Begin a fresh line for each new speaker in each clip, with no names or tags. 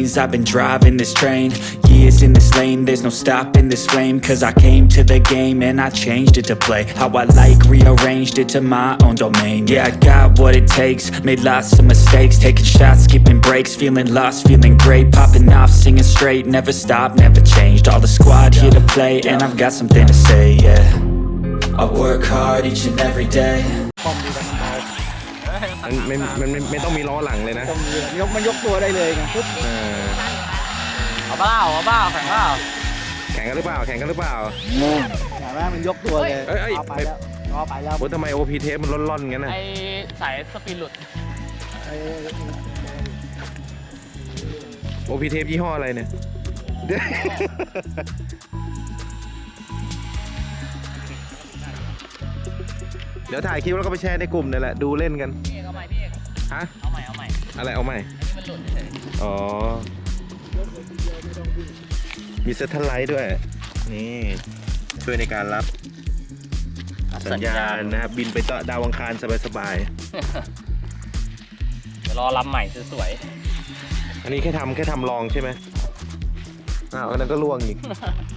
lanes, I've been driving this train. Years in this lane, there's no stopping this flame. Cause I came to the game and I changed it to play how I like, rearranged it to my own domain. Yeah, I got what it takes, made lots of mistakes, taking shots, skipping breaks, feeling lost, feeling great, popping off, singing straight, never stopped, never changed. All the squad here to play, and I've got something to say, yeah. I work hard each and every day.
ไม่ต้องมีล้อหลังเลยนะ
มันยกตัวได้เลยไงปุ๊บ
เอาเปล่าแข่งเปล่า
แข่งกันหรือเปล่าเห็น
ไหมมันยกตัวเลยเอาไปแล้ว
ทำไม OP เทปมันล่อนๆงั้นน่ะ
ไอสายสปินหลุด
OP เทปยี่ห้ออะไรเนี่ยเดี๋ยวถ่ายคลิปแล้วก็ไปแชร์ในกลุ่มนี่แหละดูเล่นกัน
พี่เอกเอาใหม่พี่เอก
ฮะ
เอาใหม่
อะไรเอาใหม่
มันหลุดเฉย
อ๋อมีเซตทัลไลท์ด้วยนี่ช่วยในการรับสัญญาณนะครับบินไปต่อดาวอังคารสบาย
ๆเดี๋ยวรอลำใหม่สวย
ๆอันนี้แค่ทำลองใช่ไหมอันนั้นก็ล่วงอีก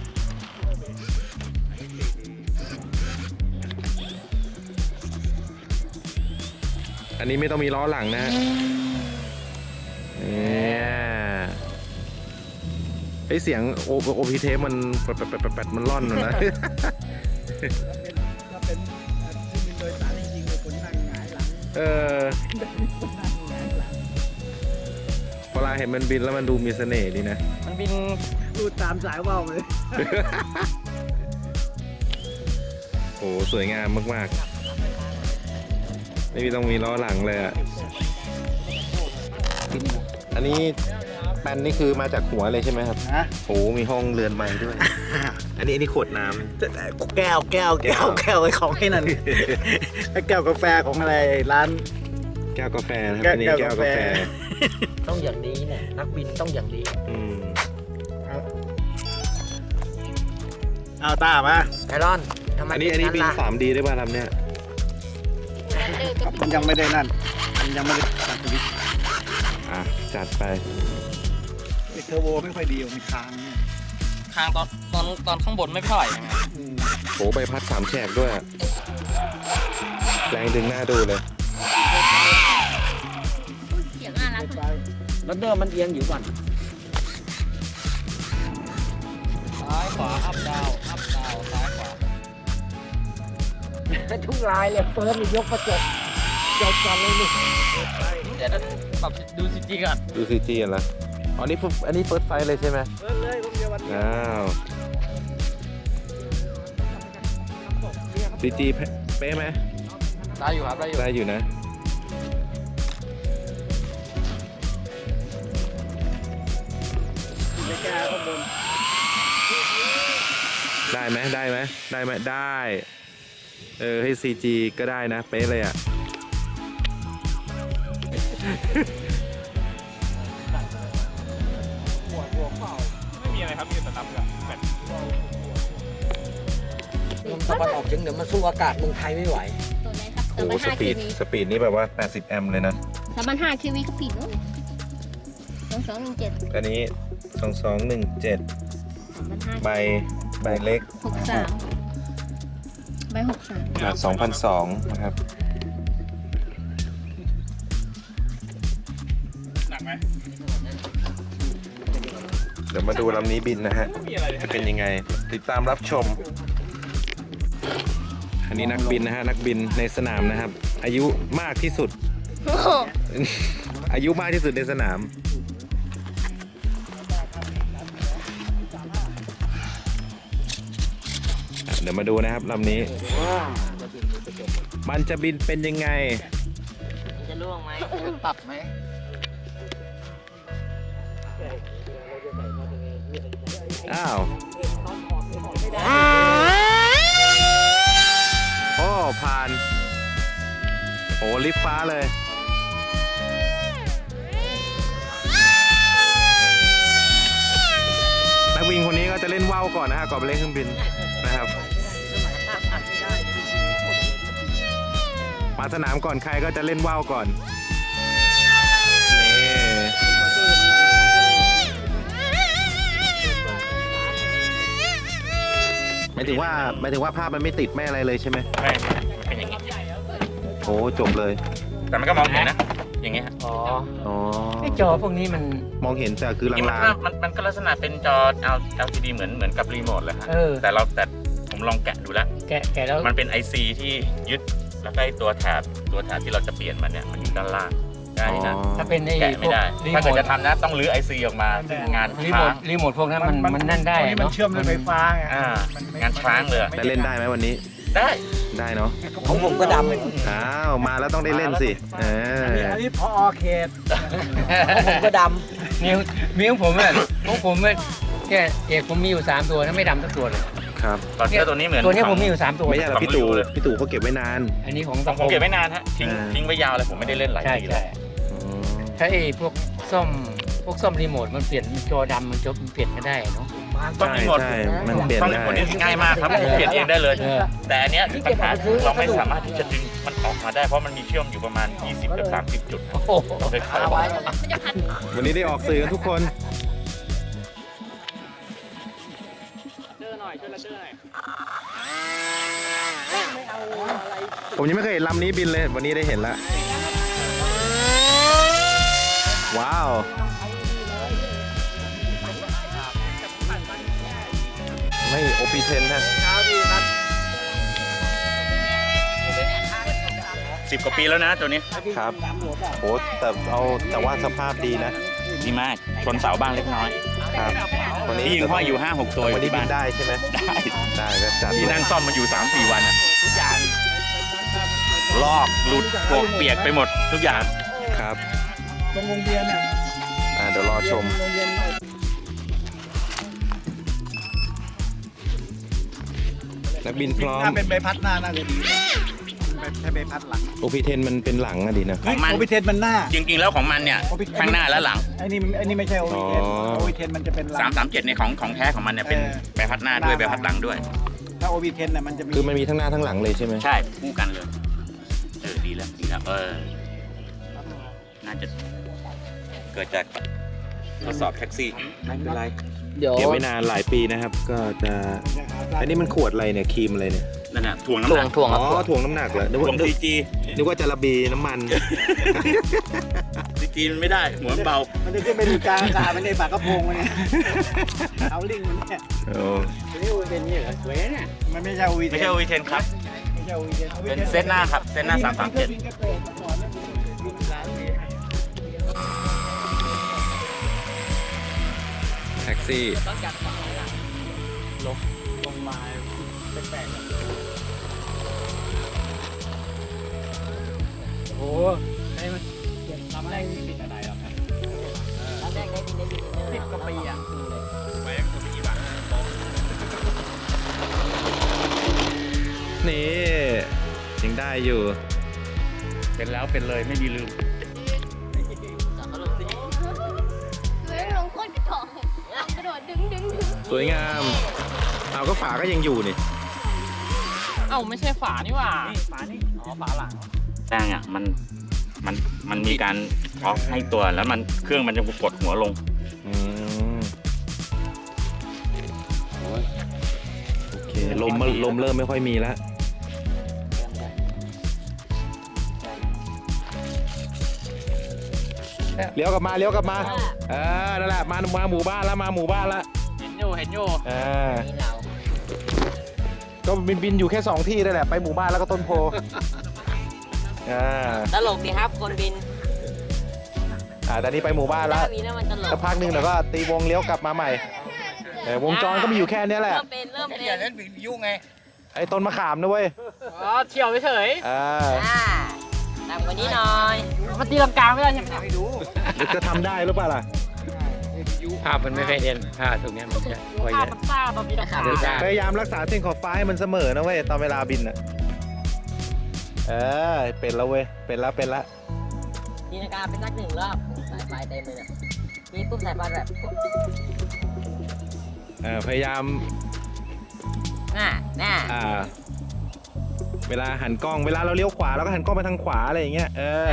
อันนี้ไม่ต้องมีล้อหลังนะเนี่ยไอเสียงโอพีเทปมันแปดมันล่อนนะ
ถ้าเป็นที่มีโดยสารจริงๆคนนั่งหงายหลัง
เวลาเห็นมันบินแล้วมันดูมีเสน่ห์ดีนะ
มันบิน
ดูตามสายว่าวเลย
โอ้สวยงามมากๆไม่ต้องมีล้อหลังเลยอ่ะอันนี้แปนนี่คือมาจากหัวเลยใช่ไหมครับโอ้มีห้องเรือนไม้ด้วยอันนี้ขวดน้
ำแก้วไอ้ของให้นั่นแก้วกาแฟของอะไรร้าน
แก้วกาแฟนะครับอันนี้แก้วกาแฟ
ต้องอย่างนี้เนี่ยนักบินต้องอย่างนี้
เอาตามา
ไอรอนทำไม
อันนี้บิน 3D ได้ป่ะลำเนี้ย
มันยังไม่ได้นั่นมันยังไม่ได้ตัดสวิตช์
จัดไป
เทอร์โบไม่ค่อยดีมีค้าง
ตอนข้างบนไม่เท่าไหร่ยังไง
โหใบพัด3 แฉกด้วยแรงดึงหน้าดูเลย
เสียงน่ารัก
รถเดิมมันเอียงอยู่ก่อนซ้ายขวาอัพดาวซ้ายขวา
ทุกลายเลยเฟิร์สยกกระจกจบกันเลยนี่
เดี๋ยวปรับดูซีจีก่อน
ดูซีจีกันละอันนี้เฟิร์สไฟเลยใช่ไหม
เฟิร์สเลยผมเดียววันนี้
ซีจีเป๊ะไหม
ได้อยู่ครับ
ได้อยู่นะได้ไหมได้ให้ CG ก็ได้นะเป๊ะเลยอ่ะ
ไม่มีอะไรครับมีแต่น้ำกับแบบ
ลมตะวันออกเฉียงเหนือมันสู้อากาศเมืองไทยไม่ไหว
ตัวไหนครับ
โอ้สปีดนี่แบบว่า80 แอมป์เลยนะ
3,500 kV ก็ผิดนู้น2217
อันนี้2217ใบเล็ก
ใบ63
2,200นะครับ
หนักไหม
เดี๋ยวมาดูลำนี้บินนะฮะจะเป็นยังไงติดตามรับชมอันนี้นักบินนะฮะนักบินในสนามนะครับอายุมากที่สุดอายุมากที่สุดในสนามเดี๋ยวมาดูนะครับลำนี้มันจะบินเป็นยังไง
จะล่วงไหมปรับไหม
อ้าวโอ้ผ่านโอ้ลิฟฟ้าเลยนักบินคนนี้ก็จะเล่นว่าวก่อนนะฮะก่อนไปเล่นเครื่องบินนะครับมาสนามก่อนใครก็จะเล่นว่าวก่อนนี่หมายถึงว่าภาพมันไม่ติดไม่อะไรเลยใช่ไหม
ไม่มันเป็นอย่างนี้
โอ้จบเลย
แต่มันก็มองเห็นนะ อย่างเงี้ยฮะ
อ๋อ
อ๋อ
ไอ้จอพวกนี้มัน
มองเห็นแต่คือ
นี่
ลาง
มันก็ลักษณะเป็นจอ LCD เหมือนกับรีโมทเลยฮะ แต่ผมลองแกะดูแล้ว
แกะแล้ว
มันเป็น IC ที่ยึดแล้วก็ไอ้ตัวแถบที่เราจะเปลี่ยนมันเนี่ยมันอยู่ด้านล่าง
ๆ
ได้นะ
ถ้าเป็นไอ้
แกะไม่ได้
รี
ถ้า
โม
เกิด
ท
จะทำนะต้องรื้อ IC ออกมาซึ่งงาน
รีโม
ค้า
ท
ง
รีโมทพวกนั้นมันนั่นได้
มัน
เนาะ
เชื่อมด้วยไฟฟ้าไง
งานช้างเลย
แต่เล่นได้ไหมวันนี้
ได้
ได้เนาะ
ของผมก็ดำ
อ้าวมาแล้วต้องได้เล่นสิ
อันนี้พอเขต
ผมก็ดำมีของผมแค่เอกผมมีอยู่3ตัวนะไม่ดำสักตัวเลย
ครับ
ตอนเสื้อตัวนี้เหมือน
ตัวนี้
ของ
ผมมีอยู่3ตัว
ไม่ใช่หรอกพี่ตู่เขาเก็บไว้นาน
อันนี้ของ
ผมเก็บไว้นานฮะทิ้งไว้ยาวเลยผมไม่ได้เล่นหลาย
ใช่
ปีเล
ใช่
ย
ถ้าไอ้พวกซ่อมรีโมทมันเปลี่ยนจอดำมันจะเปลี่ยนไม่ได้เนาะ
ต้องรีโมท
ใช่มันเปลี่ยน
ต้องรี
ได้
โมทนี่ง่ายมากครับเปลี่ยนเองได้เลย
เออ
แต่อันเนี้ยปัญหาคือเราไม่สามารถที่จะดึงมันออกมาได้เพราะมันมีเชื่อมอยู่ประมาณ 20 กับ 30 จุดครับ
โอ้โห
เราเคยเข้า
มันจะพัน
วันนี้ได้ออกสื่อกันทุกคน ผมยังไม่เคยเห็นลำนี้บินเลย วันนี้ได้เห็นแล้ว ว้าว ไม่ OP10 นะ
10 กว่าปีแล้วนะตัวนี้
ครับโอ้แต่ว่าสภาพดีนะ
ดีมากชนเสาบ้างเล็กน้อย
ครับวันนี้
ที่ยิงห้อยอยู่ 5-6 ตัว
วันนี้
ที่
บิ
บ้าน
นได้ใช่ไหม
ได้
ได้ก็จัด
ที่นั่งซ่อมมาอยู่ 3-4 วันอะทุกอย่างลอกหลุดโกกเปียกไปหมดทุกอย่าง
ครับ
ตรงวงเวียนเนี่ย
เดี๋ยวรอชม
วงเวียน
นักบินพร้อม
ถ้าเป็นใบพัดหน้าน่าจะดีใช้ใบพัดหลัง
OP10 มันเป็นหลังอะดีนะ
ของมัน
โอพิเทนมันหน้า
จริงๆแล้วของมันเนี่ยข้างหน้าและหลัง
ไอ้นี่ไม่ใช่โอพิเทน
อ๋อ
โอพิเทนมันจะเป็นหลัง
337เนี่ยของแท้ของมันเนี่ยเป็นใบพัดหน้าด้วยใบพัดหลังด้วย
ถ้าโอพิเทนน่ะมันจะมี
คือมันมีทั้งหน้าทั้งหลังเลยใช่ไหม
ใช่คู่กันเลยดีแล้วน่าจะเกิดจากทดสอบแท็กซี่ไม่เป็นไร
เดี๋ยว
เก็บไว้นานหลายปีนะครับ ก็จะ อันนี้มันขวดอะไรเนี่ยครีมอะไรเนี่ย
นั่นน่ะถ่วงน้ำหนัก
อ๋อถ่วงน้ำหนักเหรอนึก
ถ่ว
ว่าง
CG
นึกว่าจะระบีน้ำมัน
CG มันไม่ได้หัวมันเบา
มันจะขึ้นไปดูกลางอากาศมันในปากกระโปรงมันเนี่ยเอาลิงมันเนี่ย
โอ้
นี่โอพิเทนนี่เหรอสวยเนี่ยมันไม่ใช่โอพิเทน
ไม่ใช่ V10 ครับ
ไม่ใช่โอพิเทน
เป็นเซตหน้าครับเซตหน้า337
แท็กซี่
ลงมาแปลกๆโอ้โหให้มันทำอะไรผิดอะไรหรอครับ10 กว่าปีอ่ะ
นี่ยังได้อยู่
เป็นแล้วเป็นเลยไม่มีลืม
เฮ้ยลงโคตรกระโดดกระโดดดึง
สวยงาม เอาก็ฝาก็ยังอยู่นี่
เอ้าไม่ใช่ฝานี่หว่า
ฝานี่อ๋อฝาหลัง
แจ้งอ่ะมันมีการออฟให้ตัวแล้วมันเครื่องมันจะกดหัวลง
อืมโอเคลมเริ่มไม่ค่อยมีแล้วเลี้ยวกลับมานั่นแหละมาหมู่บ้านแล้วมาหมู่บ้านแล้ว
เห็นอยู่
ก็บินอยู่แค่2ที่นั่นแหละไปหมู่บ้านแล้วก็ต้นโพ
ตลกดีครับคนบิน
ตอนนี้ไปหมู่บ้านแล้ว
มีนะมันตล
สัก
ก
พักหนึ่งเดี๋ยวก็ตีวงเลี้ยวกลับมาใหม่วงจรก็มีอยู่แค่นี้แหละ
เริ่มเป็น
ไอ้ต้นมะขามนะเว้ย
อ๋อเที่ยวเฉย
ตามกว่านี้หน่อย
มันตีลังกาไม่ได้ใช่ไหม
จะทำได้หรือเปล่าล่ะ
ภาพมันไม่เคยเด่นภาพตรงเนี้ยมันจะคอยเยอะ
มันซ่าตอนบินอากาศ
พยายามรักษาเส้นขอบฟ้าให้มันเสมอนะเว้ยตอนเวลาบินอ่ะเป็นแล้วเว้ยเป็นแล้ว
บินอากาศเป็นสัก1 รอบสายไฟเต็มเลยเนี่ยนี่ปุ๊บสายไฟแบบ
พยายาม
น่า
เวลาหันกล้องเวลาเราเลี้ยวขวาเราก็หันกล้องไปทางขวาอะไรอย่างเงี้ย
เอ้ย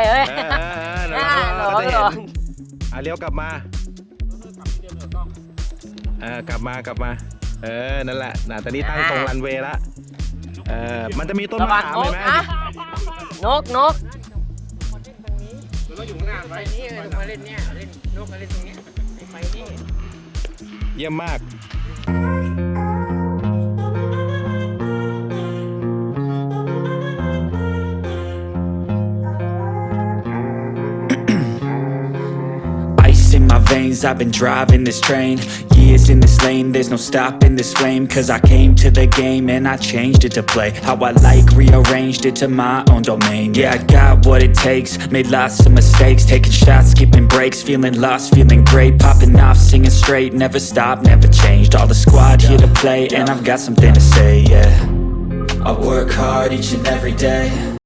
เราก็จะเห็นเลี้ยวกลับมา กลับมานั่นแหละนะตอนนี้ตั้งตรงรันเวย์ละมันจะมีต้น
ระ
มะ
วัง
ขาม
น
เห็
ก
นไหม
นะนก
ไปนี่มาเล่นเนี่ยเล่นนกมาเล่นตรงเนี้ยไปนี่
เยี่ยมมาก
Ice in my veins, I've been driving this train. Years in this lane, there's no stopping this flame. Cause I came to the game and I changed it to play how I like, rearranged it to my own domain. Yeah, I got what it takes, made lots of mistakes, taking shots, skipping breaks, feeling lost, feeling great, popping off, singing straight, never stopped, never changed. All the squad here to play and I've got something to say, yeah. I work hard each and every day.